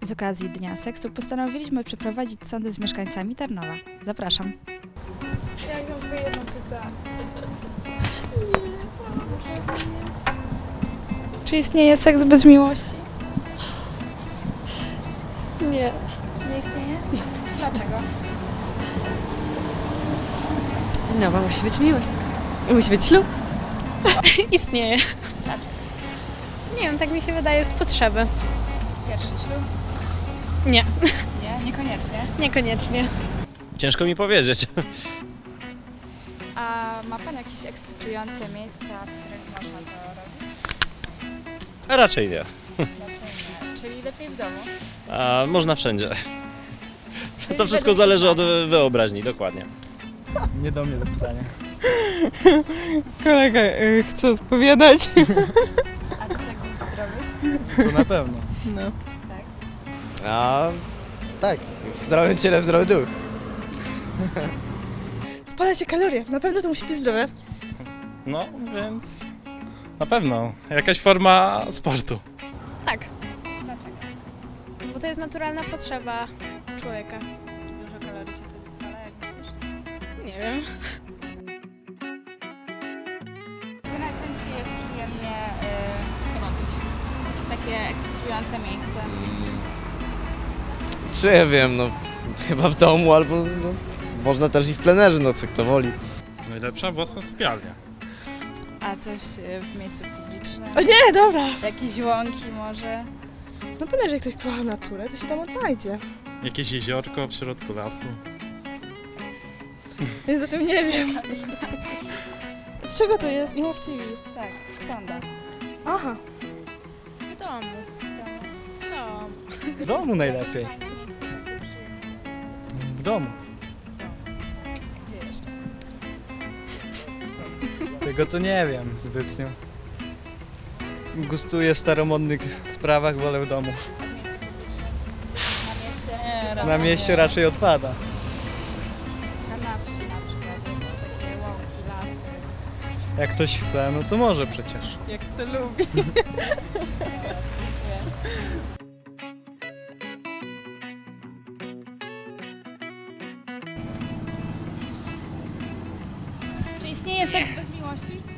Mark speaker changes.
Speaker 1: Z okazji Dnia Seksu postanowiliśmy przeprowadzić sondę z mieszkańcami Tarnowa. Zapraszam.
Speaker 2: Ja mam jedno pytanie.
Speaker 1: Czy istnieje seks bez miłości?
Speaker 2: Nie.
Speaker 1: Nie istnieje? Dlaczego?
Speaker 2: No, bo musi być miłość. I musi być ślub. Istnieje.
Speaker 1: Dlaczego?
Speaker 2: Nie wiem, tak mi się wydaje z potrzeby.
Speaker 1: Pierwszy ślub?
Speaker 2: Nie,
Speaker 1: Nie, niekoniecznie.
Speaker 2: niekoniecznie.
Speaker 3: Ciężko mi powiedzieć.
Speaker 1: A ma Pan jakieś ekscytujące miejsca, w których można to robić?
Speaker 3: A raczej nie.
Speaker 1: Dlaczego nie? Czyli lepiej w domu?
Speaker 3: A można wszędzie.
Speaker 1: Czyli
Speaker 3: To wszystko
Speaker 1: według
Speaker 3: zależy od
Speaker 1: pana.
Speaker 3: wyobraźni, dokładnie.
Speaker 4: Nie do mnie to pytanie.
Speaker 5: Kolega chce odpowiadać.
Speaker 1: A czy seks jest zdrowy?
Speaker 4: To na pewno.
Speaker 5: No.
Speaker 6: A tak, w zdrowym ciele, w zdrowy duch.
Speaker 2: Spala się kalorie. Na pewno to musi być zdrowe.
Speaker 7: No, więc na pewno jakaś forma sportu.
Speaker 2: Tak,
Speaker 1: Dlaczego?
Speaker 2: bo to jest naturalna potrzeba człowieka.
Speaker 1: Dużo kalorii się wtedy spala, jak myślisz?
Speaker 2: Nie wiem.
Speaker 1: Gdzie najczęściej jest przyjemnie robić? Takie ekscytujące miejsce.
Speaker 6: Czy ja wiem, no chyba w domu albo no, można też i w plenerze, no co kto woli.
Speaker 7: Najlepsza własna sypialnia.
Speaker 1: A coś w miejscu publicznym?
Speaker 8: O nie, dobra!
Speaker 1: Jakieś łąki może?
Speaker 8: Na pewno, że jak ktoś kocha naturę, to się tam odnajdzie.
Speaker 7: Jakieś jeziorko w środku lasu.
Speaker 8: Więc o tym nie wiem. Z czego to jest? Imo w TV.
Speaker 1: Tak, sonda.
Speaker 8: Aha.
Speaker 2: W domu.
Speaker 4: W domu najlepiej.
Speaker 1: Fajne miejsce, takie przyjemne.
Speaker 4: W domu.
Speaker 1: Gdzie jeszcze?
Speaker 4: Tego to nie wiem zbytnio. Gustuję w staromodnych sprawach, wolę w domu.
Speaker 1: W miejscu publicznym? Na mieście?
Speaker 4: Na mieście raczej odpada.
Speaker 1: Na wsi na przykład, jakieś takie łąki, lasy.
Speaker 4: Jak ktoś chce, no to może przecież.
Speaker 5: Jak to lubi.
Speaker 1: Dziękuję. Czy istnieje seks bez miłości?